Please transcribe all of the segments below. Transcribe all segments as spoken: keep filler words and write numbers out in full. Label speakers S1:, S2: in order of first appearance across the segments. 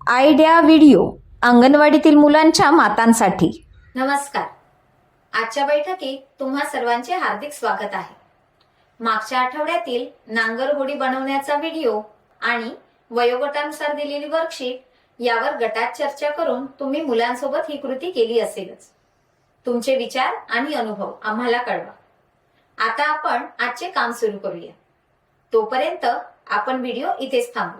S1: Idea video अंगणवाडीतील मुलांच्या मातांसाठी.
S2: नमस्कार. आजच्या बैठकीत तुम्हा सर्वांचे हार्दिक स्वागत आहे. मागच्या आठवड्यातील नांगर होडी बनवण्याचा व्हिडिओ आणि वयोगटानुसार दिलेली वर्कशीट यावर गटात चर्चा करून तुम्ही मुलांसोबत ही कृती केली असेलच. तुमचे विचार आणि अनुभव आम्हाला कळवा. आता आपण आजचे काम सुरू करूया. तोपर्यंत आपण व्हिडिओ इथेच थांबवू.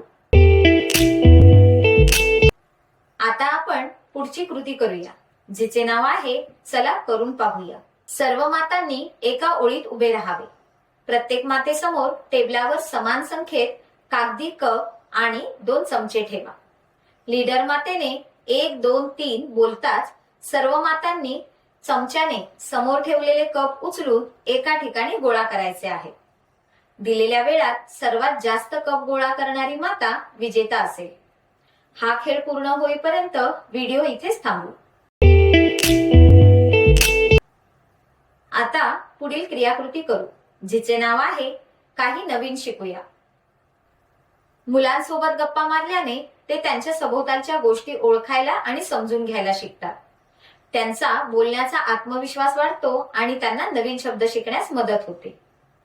S2: आता आपण पुढची कृती करूया, जिचे नाव आहे चला करून पाहूया. सर्व मातांनी एका ओळीत उभे राहावे. प्रत्येक मातेसमोर टेबलावर समान संख्येत कागदी कप आणि दोन चमचे ठेवा. लीडर मातेने एक दोन तीन बोलताच सर्व मातांनी चमच्याने समोर ठेवलेले कप उचलून एका ठिकाणी गोळा करायचे आहे. दिलेल्या वेळात सर्वात जास्त कप गोळा करणारी माता विजेता असेल. हा खेळ पूर्ण होईपर्यंत व्हिडिओ इथेच थांबवू. आता पुढील क्रियाकृती करू, जिचे नाव आहे काही नवीन शिकूया. मुलांसोबत गप्पा मारल्याने ते त्यांच्या सभोवतालच्या गोष्टी ओळखायला आणि समजून घ्यायला शिकतात. त्यांचा बोलण्याचा आत्मविश्वास वाढतो आणि त्यांना नवीन शब्द शिकण्यास मदत होते.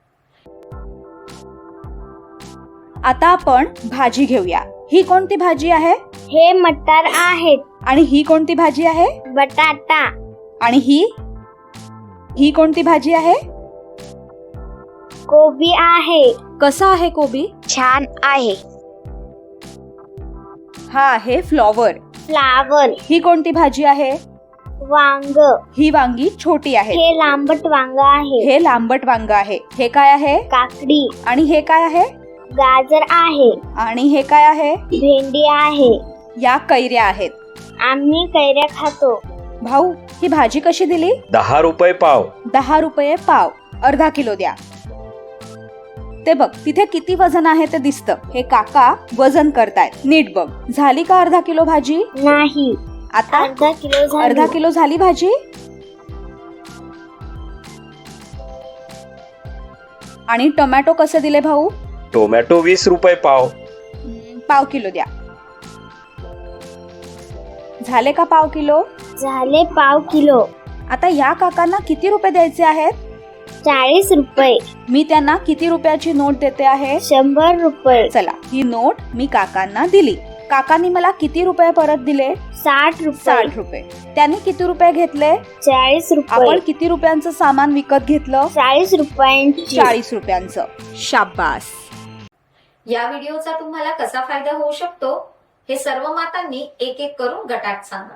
S1: आता आपण भाजी घेऊया. ही कोणती भाजी आहे?
S3: हे मटार आहेत.
S1: आणि ही कोणती भाजी आहे?
S3: बटाटा.
S1: आणि ही ही कोणती भाजी आहे?
S3: कोबी आहे.
S1: कसा आहे कोबी?
S3: छान आहे.
S1: हा आहे फ्लॉवर.
S3: फ्लावर.
S1: ही कोणती भाजी आहे?
S3: वांग.
S1: ही वांगी छोटी आहे.
S3: हे लांबट वांग आहे.
S1: हे लांबट वांग आहे. हे काय आहे?
S3: काकडी.
S1: आणि हे काय आहे?
S3: गाजर आहे.
S1: आणि हे काय आहे?
S3: भेंडी आहे.
S1: या कैऱ्या आहेत.
S3: आम्ही कैऱ्या खातो.
S1: भाऊ, ही भाजी कशी दिली?
S4: दहा रुपये पाव.
S1: दहा रुपये पाव. अर्धा किलो द्या. ते बघ, तिथे किती वजन आहे ते दिसतं. हे काका वजन करतायत. नीट बघ. झाली का अर्धा किलो भाजी?
S3: नाही.
S1: आता
S3: अर्धा किलो झाली.
S1: अर्धा किलो झाली भाजी. आणि टोमॅटो कसे दिले भाऊ?
S4: टोमॅटो वीस रुपये पाव.
S1: पाव किलो द्या. झाले का पाव किलो?
S3: झाले पाव किलो.
S1: आता या काकांना किती रुपये द्यायचे आहेत?
S3: चाळीस रुपये.
S1: मी त्यांना किती रुपयाची नोट देते आहे?
S3: शंभर रुपये.
S1: चला, ही नोट मी काकांना दिली. काकांनी मला किती रुपये परत दिले?
S3: साठ रुपये.
S1: साठ रुपये. त्यांनी किती रुपये घेतले?
S3: चाळीस रुपये.
S1: आपण किती रुपयांचं सामान विकत घेतलं?
S3: चाळीस रुपयांची.
S1: चाळीस रुपयांचं. शाबास.
S2: या व्हिडिओचा तुम्हाला कसा फायदा होऊ शकतो हे सर्व मातांनी एक एक करून गटात सांगा.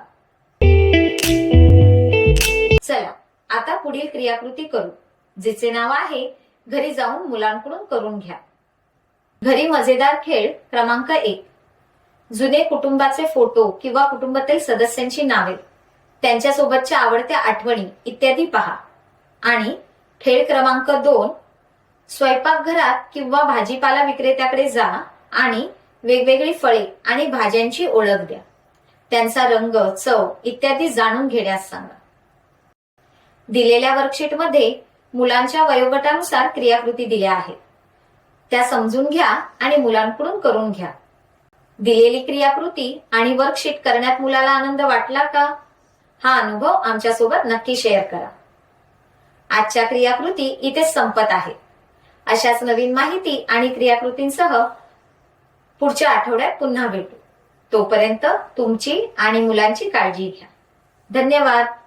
S2: चला आता पुढील क्रियाकृती करू, जिचे नाव आहे घरी जाऊन मुलांकडून करून घ्या. घरी मजेदार खेळ क्रमांक एक. जुने कुटुंबाचे फोटो किंवा कुटुंबातील सदस्यांची नावे, त्यांच्यासोबतच्या आवडत्या आठवणी इत्यादी पहा. आणि खेळ क्रमांक दोन. स्वयंपाकघरात किंवा भाजीपाला विक्रेत्याकडे जा आणि वेगवेगळी फळे आणि भाज्यांची ओळख द्या. त्यांचा रंग, चव इत्यादी जाणून घेण्यास सांगा. दिलेल्या वर्कशीटमध्ये मुलांच्या वयोगटानुसार क्रियाकृती दिल्या आहेत. त्या समजून घ्या आणि मुलांकडून करून घ्या. दिलेली क्रियाकृती आणि वर्कशीट करण्यात मुलाला आनंद वाटला का? हा अनुभव आमच्यासोबत नक्की शेअर करा. आजच्या क्रियाकृती इथेच संपत आहेत. अशाच नवीन माहिती आणि क्रियाकृतींसह पुढच्या आठवड्यात पुन्हा भेटू. तोपर्यंत तुमची आणि मुलांची काळजी घ्या. धन्यवाद.